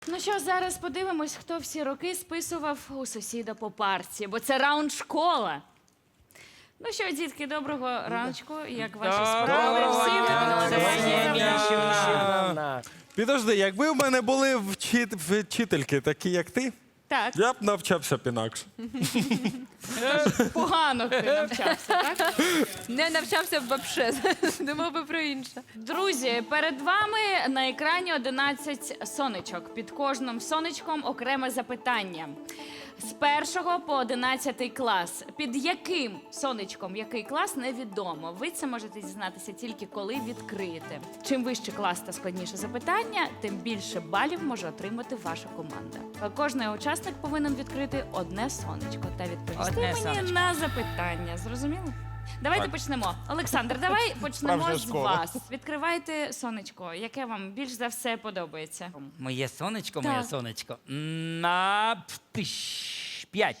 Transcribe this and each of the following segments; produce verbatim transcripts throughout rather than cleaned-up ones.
Ну що, зараз подивимось, хто всі роки списував у сусіда по парці, бо це раунд школа. Ну що, дітки, доброго раночку. Як ваші справи? Всі ви молодці. Підожди, якби в мене були вчит... вчительки такі, як ти, Так, я б навчався б інакше. погано ти навчався, так? Не навчався б вообще, думав би про інше. Друзі, перед вами на екрані одинадцять сонечок. Під кожним сонечком окреме запитання. З першого по одинадцятий клас. Під яким сонечком який клас, невідомо. Ви це можете дізнатися тільки коли відкриєте. Чим вище клас та складніше запитання, тим більше балів може отримати ваша команда. Кожний учасник повинен відкрити одне сонечко та відповісти Одне мені сонечко. на запитання. Зрозуміло? Давайте почнемо. Олександр, давай почнемо Справжня з школа. вас. Відкривайте сонечко. Яке вам більш за все подобається? Моє сонечко, Так. моє сонечко. На птиш, п'ять.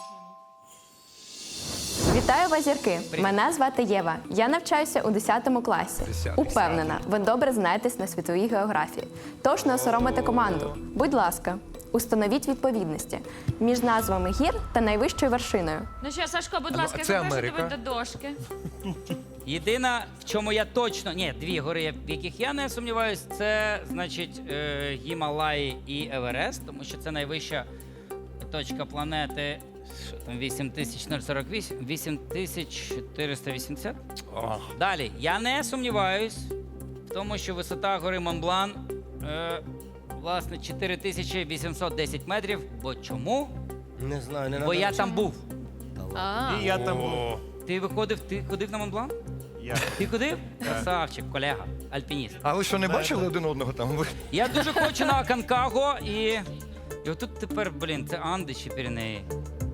Вітаю вас, зірки! Мене звати Єва. Я навчаюся у десятому класі. Упевнена, ви добре знаєтесь на світовій географії. Тож не осоромите команду. Будь ласка, установіть відповідності між назвами гір та найвищою вершиною. Ну що, Сашко, будь ласка, я це запрошую Америка. тебе до дошки. Єдина, в чому я точно. Ні, дві гори, в яких я не сумніваюсь, це, значить, е, Гімалаї і Еверест, тому що це найвища точка планети. Що там, вісім тисяч сорок вісім, вісім тисяч чотириста вісімдесят. Далі, я не сумніваюсь в тому, що висота гори Монблан, е, власне, чотири тисячі вісімсот десять метрів. Бо чому? Не знаю, не Бо я там був. А, І я там був. Ти виходив, ти ходив на Монблан? Я. Ти ходив? Красавчик, колега, альпініст. А ви що, не бачили один одного там? Ви- Я дуже хочу на Аконкаго і. І отут тепер, блін, це Анди чи Піренеї.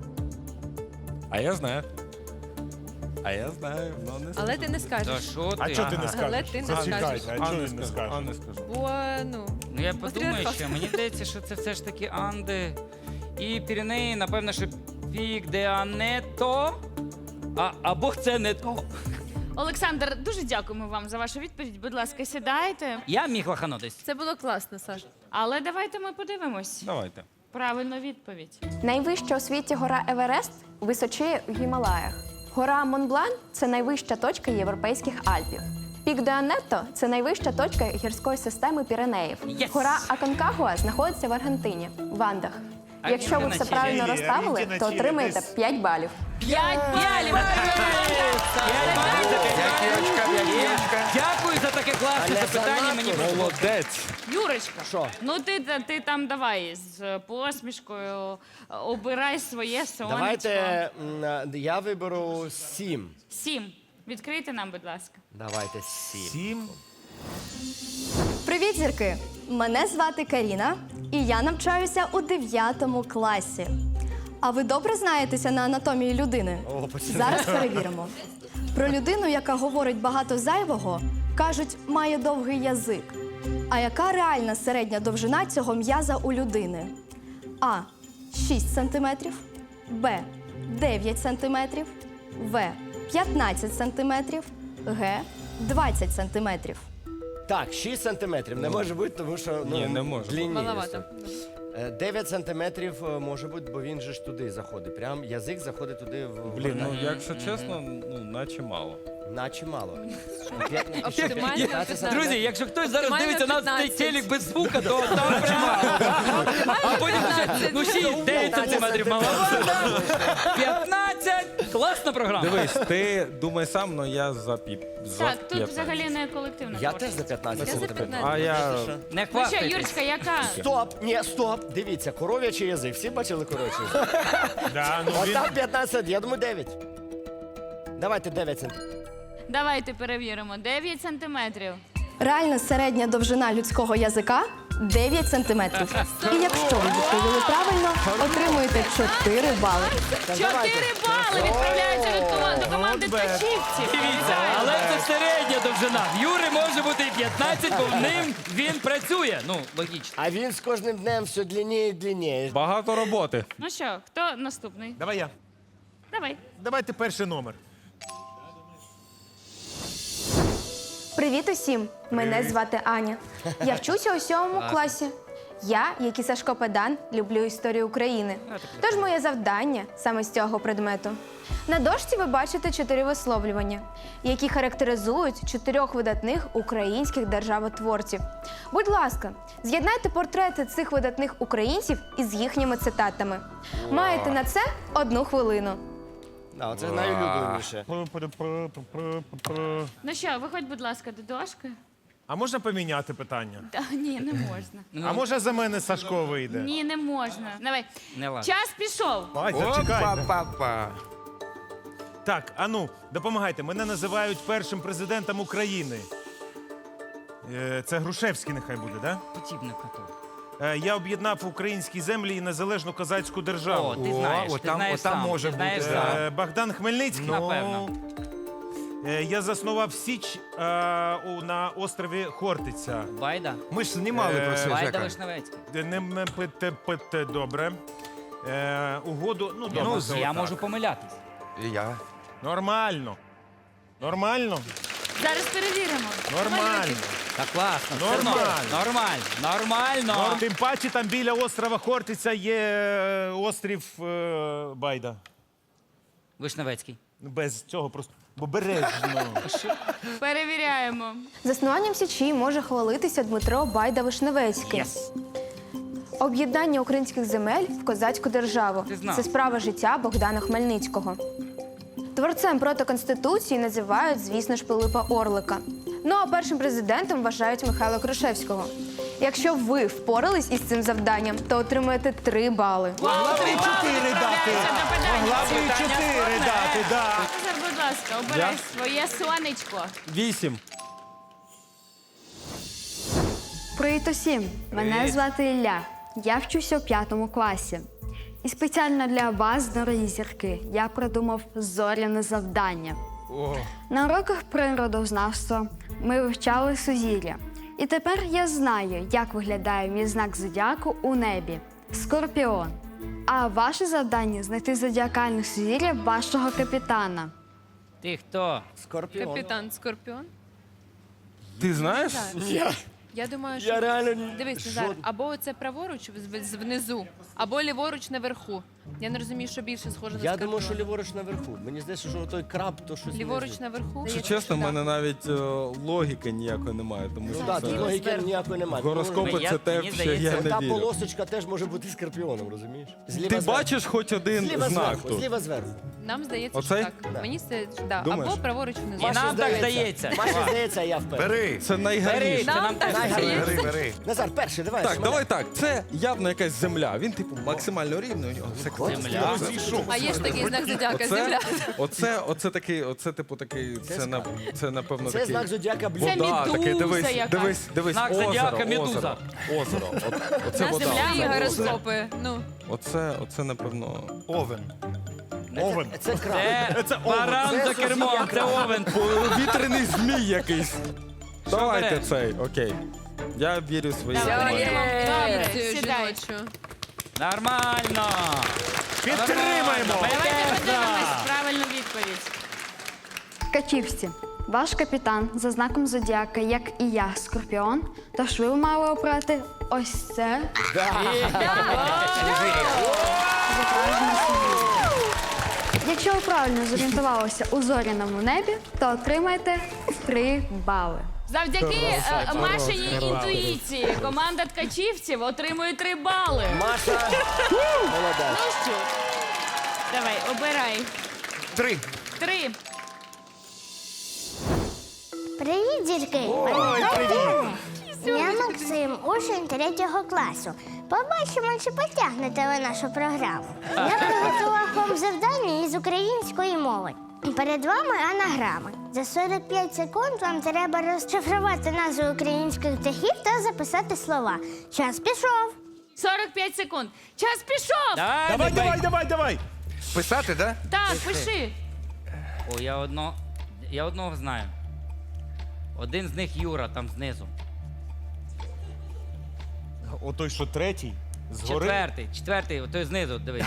А я знаю. А я знаю, але не але ти не Та скажеш. що ти? А чого ти не Ага. скажеш? Але ти не Зачекайте, скажеш. а А чого не він не скажу, скаже? а не скажу. Бо, ну, Ну я подумаю Патріархат. ще, мені здається, що це все ж таки Анди. І Піренеї, напевно, що Пік де Ането. А, або це не то. Олександр, дуже дякуємо вам за вашу відповідь. Будь ласка, сідайте. Я міг лаханутись. це було класно, Саш. Але давайте ми подивимось. Давайте. Правильну відповідь. Найвища у світі гора Еверест височіє в Гімалаях. Гора Монблан – це найвища точка Європейських Альпів. Пік де Анетто – це найвища точка гірської системи Піренеїв. Yes! Гора Аконкагуа знаходиться в Аргентині, в Андах. А Якщо ви Аргентина все чи- правильно Чилі, розставили, Аргентина, то Чилі, отримаєте десь. п'ять балів. П'ять балів! Дякую за таке класне запитання. Мені Молодець. Юрочка, Що? ну ти, ти там давай з посмішкою обирай своє сонечко. Давайте м, я виберу сім. Сім. Відкрийте нам, будь ласка. Давайте сім. Сім. Привіт, зірки! Мене звати Каріна, і я навчаюся у дев'ятому класі. А ви добре знаєтеся на анатомії людини? О, починай. Зараз перевіримо. Про людину, яка говорить багато зайвого, кажуть, має довгий язик. А яка реальна середня довжина цього м'яза у людини? А. шість сантиметрів, Б. дев'ять сантиметрів, В. п'ятнадцять сантиметрів, Г. двадцять сантиметрів. Так, шість сантиметрів. Не може бути, тому що ну, Ні, не може. длинніє Маловато. все. Е, дев'ять сантиметрів е, може бути, бо він же ж туди заходить. Прям язик заходить туди в Блін, ну горло. якщо чесно, ну наче мало. Наче мало. Оптимально п'ятнадцять. Друзі, якщо хтось зараз Оптимально дивиться на цей п'ятнадцять. телек без звука, то там прямо. А потім ще, ну шість, дев'ять сантиметрів мало. п'ятнадцять. Класна програма. Дивись, ти думай сам, але я за піп. За Так, тут п'ятнадцять. взагалі не колективна Я творчість. теж за п'ятнадцять Я за сантиметрів. п'ятнадцять. А я... Не Ну що, хвастайтесь. Юрочка, яка? Стоп! Ні, стоп! Дивіться, коров'ячий язик. Всі бачили коров'ячий язик? Да, ну він... Отак п'ятнадцять, я думаю, дев'ять. Давайте дев'ять сантиметрів. Давайте перевіримо. дев'ять сантиметрів. Реальна середня довжина людського язика дев'ять сантиметрів. І якщо ви відповіли правильно, отримуєте чотири бали. Чотири бали відправляються від команди до команди Ткачівців. Дивіться, але це середня довжина. В Юри може бути і п'ятнадцять, бо в ним він працює. Ну, логічно. А він з кожним днем все длинніє і длинніє. Багато роботи. Ну що, хто наступний? Давай я. Давай. Давайте перший номер. Привіт усім! Мене звати Аня. Я вчуся у сьомому класі. Я, як і Сашко Педан, люблю історію України. Тож моє завдання саме з цього предмету. На дошці ви бачите чотири висловлювання, які характеризують чотирьох видатних українських державотворців. Будь ласка, з'єднайте портрети цих видатних українців із їхніми цитатами. Маєте на це одну хвилину. А, це найулюбленіше. Ну що, виходь, будь ласка, до дошки. А можна поміняти питання? Та, ні, не можна. А може за мене Сашко вийде? Ні, не можна. Давай. Не ладно. Час пішов. Ай, зачекайте. Опа-па-па. Так, ану, допомагайте. Мене називають першим президентом України. Е, Це Грушевський нехай буде, так? Да? Подібне коту. Е, Я об'єднав українські землі і незалежну козацьку державу. О, ти знаєш, О, ти отам- знаєш отам сам. може ти знаєш бути. сам. Е, Богдан Хмельницький. Напевно. Е, Я заснував Січ е, у- на острові Хортиця. Байда? Ми ж знімали про це, Байда Жека. Вишневецький. Де Не м- пите, пите, добре. Е, Угоду, ну, добре. Ну, це Я отак. можу помилятись. І я. Нормально. Нормально? Зараз перевіримо. Нормально. Та класно. все Нормально. норм. Нормально. Нормально. Норм. Тим паче там біля острова Хортиця є е, острів е, Байда. Вишневецький. Ну, без цього просто обережно. Перевіряємо. Заснуванням Січі може хвалитися Дмитро Байда-Вишневецький. Єс. Об'єднання українських земель в козацьку державу. Ти знав. Це справа життя Богдана Хмельницького. Творцем проти Конституції називають, звісно ж, Пилипа Орлика. Ну а першим президентом вважають Михайла Грушевського. Якщо ви впорались із цим завданням, то отримаєте три бали. Могла б і чотири дати. Могла б і чотири дати, да. Назар, будь ласка, обирай своє сонечко. Вісім. Привіт усім! Мене Привіт. звати Ілля. Я вчуся у п'ятому класі. І спеціально для вас, дорогі зірки, я придумав зоряне завдання. На уроках природознавства ми вивчали сузір'я. І тепер я знаю, як виглядає мій знак зодіаку у небі скорпіон. А ваше завдання знайти зодіакальне сузір'я вашого капітана. Ти хто? Скорпіон. Капітан Скорпіон. Ти знаєш? Я, Я думаю, що я реально... дивись, Назар, або це праворуч в- з- внизу, або ліворуч наверху. Я не розумію, що більше схоже на Я Скорпіона. думаю, що ліворуч наверху. Мені здається, що той краб, то щось... Ліворуч внизу. наверху. Якщо Здається, чесно, в що мене так. навіть е, логіки ніякої немає, тому Ну що так, це... тут логіки зверху. ніякої немає. гороскопи Я- це те, мені в що здається, я Та не вірю. полосочка теж може бути скорпіоном, розумієш? Зліва Ти зверху. бачиш хоч один Зліва знак зверху, тут? зліва зверху. Нам здається, Оцей? що так. Да. Мені здається, да. Думаєш? Або праворуч внизу. І нам так здається. Маші здається, а я впевнений. Бери. Це Бери, найгарніше. це нам теж Найгарніше. здається. Бери, бери. Назар, перший, давай. Так, що давай мене? так. Це явно якась земля. Він, типу, максимально рівний. У нього все класно. Земля. А є ж такий знак зодіака, Оце, земля. оце, оце такий, оце типу такий, це, на, це напевно Це такий. знак зодіака блюд. Це Вода, такий, медуза дивись, якась. дивись, дивись, Знак озеро, зодіака медуза. озеро, озеро. От, оце На вода. земля і Оце, гороскопи. Ну, оце, оце, напевно, Овен. Овен. Це краб. Це, Це овен. баран Це за кермом, Софія це овен. вітряний змій якийсь. Давайте беремо? цей, окей. Я вірю в свої Давай, команди. Віримо. Добре, цю сідай. жіночу. Нормально. Підтримаємо. Давайте подивимось правильну відповідь. Ткачівці. Ваш капітан за знаком зодіака, як і я, Скорпіон. Тож ви мали обрати ось це. Зображення сузір'я. Якщо ви правильно зорієнтувалися у зоряному небі, то отримаєте три бали. Завдяки е, Машиній інтуїції команда ткачівців отримує три бали. Маша. Молодець. Ну що? Давай, обирай. Три. Три. Привіт, зірки! Ой, привіт. Я Максим, учень третього класу. Побачимо, чи потягнете ви нашу програму. Я приготував вам завдання із української мови. Перед вами анаграми. За сорок п'ять секунд вам треба розшифрувати назви українських птахів та записати слова. Час пішов. сорок п'ять секунд. Час пішов. Давай, Давай, давай. давай, давай, давай. Писати, да? Так, пиши. О, я одно. Я одного знаю. Один з них Юра, там знизу. Отой, що третій, згори. Четвертий, четвертий, той знизу, дивись.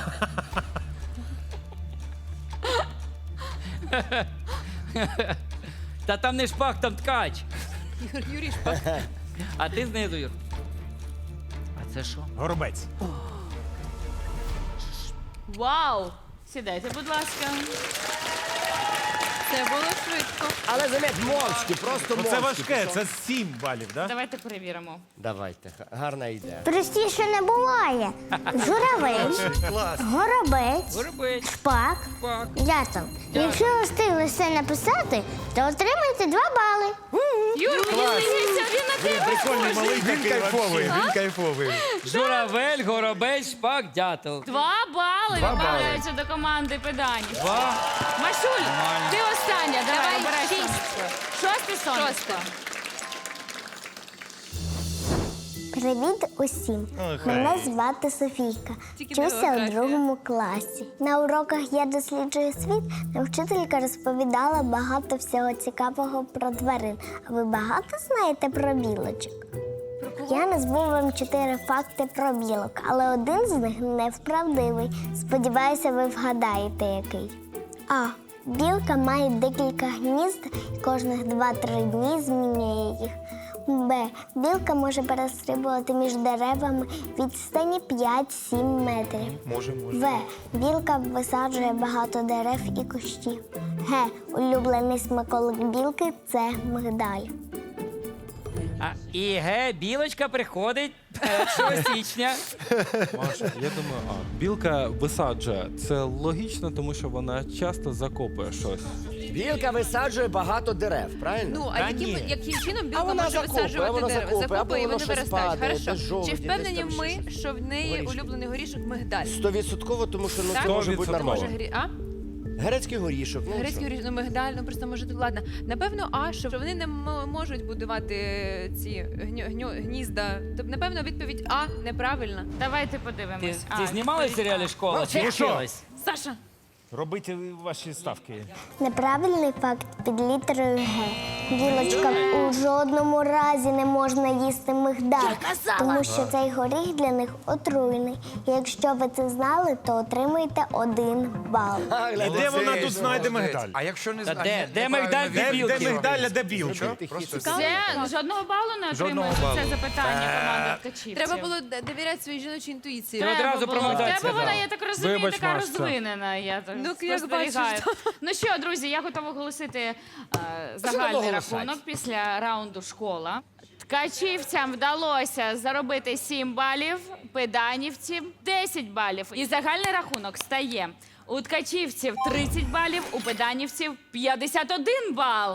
Та там не шпак, там ткач. Юр- Юрій Шпак. А ти знизу, Юр. Це що? Горобець. Вау! Сідайте, будь ласка. Це було швидко. Але заміть, мовчки, просто Ну, мовчки. це важке, пішов. це сім балів, так? Да? Давайте перевіримо. Давайте, га- гарна ідея. Простіше не буває. Журавель, Клас. горобець, Горобець. шпак, Пак. дятел. Якщо ви встигли все написати, то отримаєте два бали. Юр, мені здається, він на тебе Прикольний малий Він такий кайфовий, вообще. він кайфовий. Журавель, горобець, шпак, дятел. Два бали відправляються до команди педанів. Два. Машуль, ти остання, давай, Давай, обирай шість. сонечко. Шосте сонечко. Шосте. Привіт усім! Мене звати Софійка. Тільки Вчуся у географія. другому класі. На уроках Я досліджую світ. Нам вчителька розповідала багато всього цікавого про тварин. А ви багато знаєте про білочок? Я назву вам чотири факти про білок, але один з них неправдивий. Сподіваюся, ви вгадаєте, який. А. Білка має декілька гнізд і кожних два-три дні змінює їх. Б. Білка може перестрибувати між деревами відстані п'ять-сім метрів. Може, може. В. Білка висаджує багато дерев і кущів. Г. Улюблений смаколик білки – це мигдаль. А, і ге, білочка приходить першого січня. Маша, я думаю, а білка висаджує. Це логічно, тому що вона часто закопує щось. Білка висаджує багато дерев, правильно? Ну, а Та яким, ні. яким чином білка вона може закопує, висаджувати вона дерева? закопує, або Закопує і воно вони щось виростають. падає, Хорошо. десь жолуді, Чи десь впевнені там ми, щось. що в неї Горішки. улюблений горішок мигдаль? Стовідсотково, тому що ну, Так? це може бути Сто відсотків. Може, нормально. грі... А? Грецький горішок. Ну, Грецький що? горішок, ну мигдаль, ну просто може тут ладно. Напевно, а що вони не м- можуть будувати ці гню... гню... гнізда. Тобто, напевно, відповідь А неправильна. Давайте Ти, подивимось. ти знімала в серіалі «Школа» чи Ну що? вчилась? Саша, Робіть ваші ставки. Неправильний факт під літерою Г. Білочкам у жодному разі не можна їсти мигдаль, тому що цей горіх для них отруйний. І якщо ви це знали, то отримуєте один бал. А, І гляньте, де вона Молодець, тут знайде молодець. мигдаль? А якщо не Та знає, де, де мигдаль, де Де, білки? де мигдаль, а де білка? Просто Це жодного балу не Жодного отримує за це балу. запитання команда ткачівців. треба було д- довіряти своїй жіночій інтуїції. Ти Треба одразу було. про мигдаль В тебе вона, сказала. я так розумію, Вибач, така Машця. розвинена. Я так Ну, як спостерігаю. бачиш, Ну що, друзі, я готова оголосити е, треба загальний оголосити? рахунок після раунду школа. Ткачівцям вдалося заробити сім балів, педанівцям десять балів. І загальний рахунок стає у ткачівців тридцять балів, у педанівців п'ятдесят один бал.